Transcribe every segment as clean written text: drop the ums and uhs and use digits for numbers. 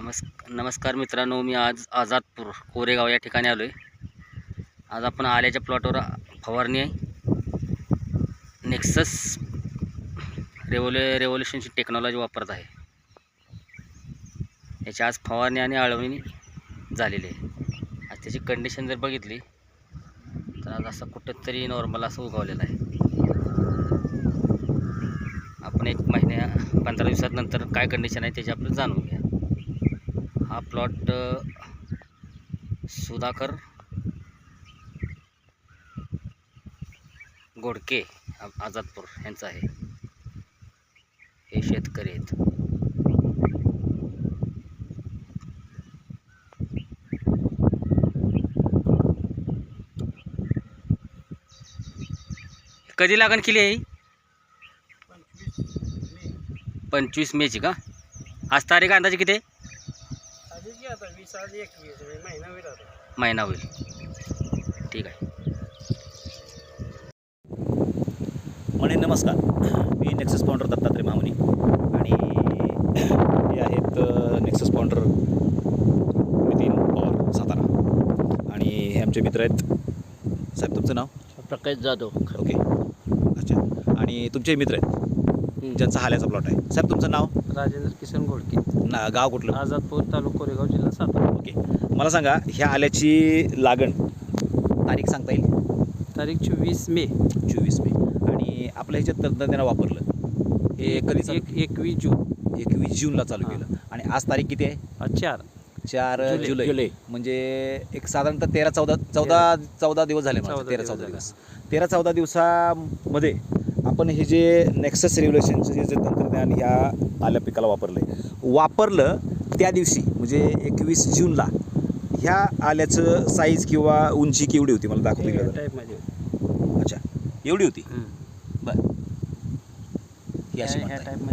नमस्कार मित्रांनो, मी आज आझादपूर कोरेगाव या ठिकाणी आलो आहे. आज आपण आल्याच्या प्लॉटवर फवारणी आहे. नेक्सस रेव्होल्युशनची टेक्नॉलॉजी वापरत आहे. याची आज फवारणी आणि आळवणी झालेली आहे. आज त्याची कंडिशन जर बघितली तर आज असं कुठंतरी नॉर्मल असं उगवलेलं आहे. आपण 15 दिवसानंतर काय कंडिशन आहे त्याची आपण जाणून घ्या. हा प्लॉट सुधाकर गोडके आझादपूर यांचा आहे. हे शेतकरी आहेत. कधी लागण केली आहे? 25 मेची का? आज तारीख अंदाजे किती आहे? महिना होईल. ठीक आहे. म्हणे नमस्कार, मी नेक्सस फाउंडर दत्तात्रय मामुनी आणि हे आहेत नेक्सस फाउंडर नितीन पवार सातारा आणि हे आमचे मित्र आहेत. साहेब तुमचं नाव? प्रकाश जाधव. ओके, अच्छा. आणि तुमचे मित्र आहेत ज्यांचा हाल्याचा प्लॉट आहे. साहेब तुमचं नाव? राजेंद्र किसन गोडके. गाव कुठलं? आझादपूर, तालुका कोरेगाव, जिल्हा सातारा. ओके, मला सांगा ह्या आल्याची लागण तारीख सांगता येईल? तारीख 24 मे. 24 मे. आणि आपल्या ह्याच्यात तंत्रज्ञान वापरलं हे कधी? 21 जून. 21 जूनला चालू केलं. आणि आज तारीख किती आहे? 4 जुलै. म्हणजे एक साधारणतः 13-14 दिवस झाले. 13-14 दिवस. 13-14 दिवसामध्ये आपण हे जे नेक्सस रेव्होल्युशनचं जे तंत्रज्ञान ह्या आल्या पिकाला वापरलं त्या दिवशी म्हणजे 21 जूनला ह्या आल्याचं साईज किंवा उंची केवढी होती मला दाखवली गेलं? अच्छा, एवढी होती. बरं, ही अशी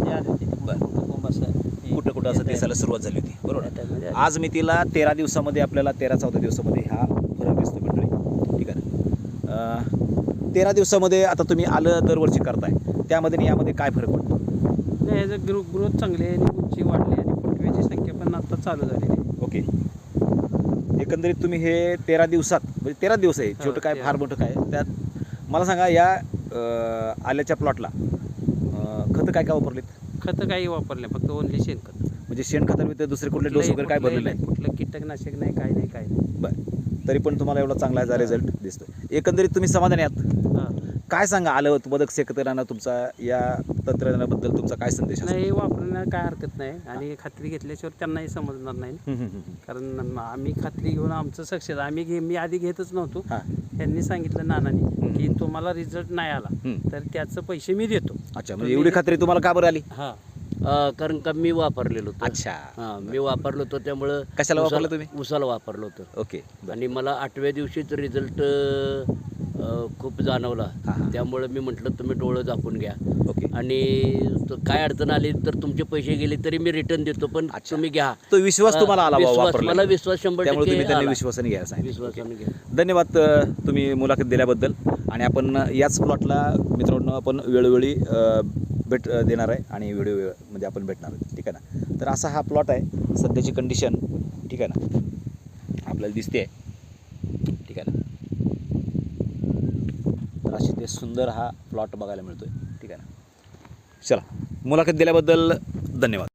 कुठं असं दिसायला सुरुवात झाली होती, बरोबर. आज मी तिला 13 दिवसामध्ये आपल्याला 13-14 दिवसामध्ये हा फरक दिसतो मंडळी. ठीक आहे ना? 13 दिवसामध्ये आता तुम्ही आलं दरवर्षी करताय, त्यामध्ये आणि यामध्ये काय फरक पडतो? नाही, ह्याचं ग्रोथ चांगली आहे आणि उंची वाढली आणि फुटव्याची संख्या पण आता चालू झालेली आहे. ओके, एकंदरीत तुम्ही हे 13 दिवसात म्हणजे 13 दिवस आहे, छोटं काय फार मोठं काय, त्यात मला सांगा या आल्याच्या प्लॉटला खतं काय वापरलेत? खतं काही वापरले, फक्त ओनली शेणखत. म्हणजे शेणखतावर व्यतिरिक्त दुसरे कुठले डोस वगैरे काय भरले नाही? कुठलं कीटकनाशक नाही, काय नाही. बरं, तरी पण तुम्हाला एवढा चांगला याचा रिझल्ट दिसतोय. एकंदरीत तुम्ही समाधानी आहात? हां. काय सांगा आलं उत्पादक शेतकऱ्यांना तुमचा या तंत्रज्ञानाबद्दल तुमचा काय संदेश आहे? नाही, वापरण्याला काय हरकत नाही आणि खात्री घेतल्याशिवाय त्यांनाही समजणार नाही. कारण आम्ही खात्री घेऊन आमचं सक्सेस मी आधी घेतच नव्हतो. त्यांनी सांगितलं नानांनी की तुम्हाला रिझल्ट नाही आला तर त्याचं पैसे मी देतो. अच्छा, म्हणजे एवढी खात्री तुम्हाला का बरं आली? हां, कारण का मी वापरलेलो होतो. अच्छा, मी वापरलो होतो. त्यामुळं कशाला वापरलं तुम्ही? उसाला वापरलं होतं. ओके. आणि मला 8व्या दिवशीच रिझल्ट खूप जाणवला. त्यामुळे मी म्हटलं तुम्ही डोळं झाकून घ्या. ओके. आणि काय अडचण आली तर तुमचे पैसे गेले तरी मी रिटर्न देतो, पण तुम्ही घ्या. तो विश्वास तुम्हाला आला? मला विश्वास 100% त्यामुळे तुम्ही त्यांनी आला. विश्वासाने घ्यायला सांगितलं. विश्वासाने घ्या. धन्यवाद तुम्ही मुलाखत दिल्याबद्दल. आणि आपण याच प्लॉटला मित्रांनो आपण वेळोवेळी भेट देणार आहे आणि व्हिडिओमध्ये आपण भेटणार आहे. ठीक आहे ना? तर असा हा प्लॉट आहे. सध्याची कंडिशन ठीक आहे ना आपल्याला दिसते आहे. ठीक आहे ना? तर अशी ते सुंदर हा प्लॉट बघायला मिळतोय. ठीक आहे ना? चला, मुलाखत दिल्याबद्दल धन्यवाद.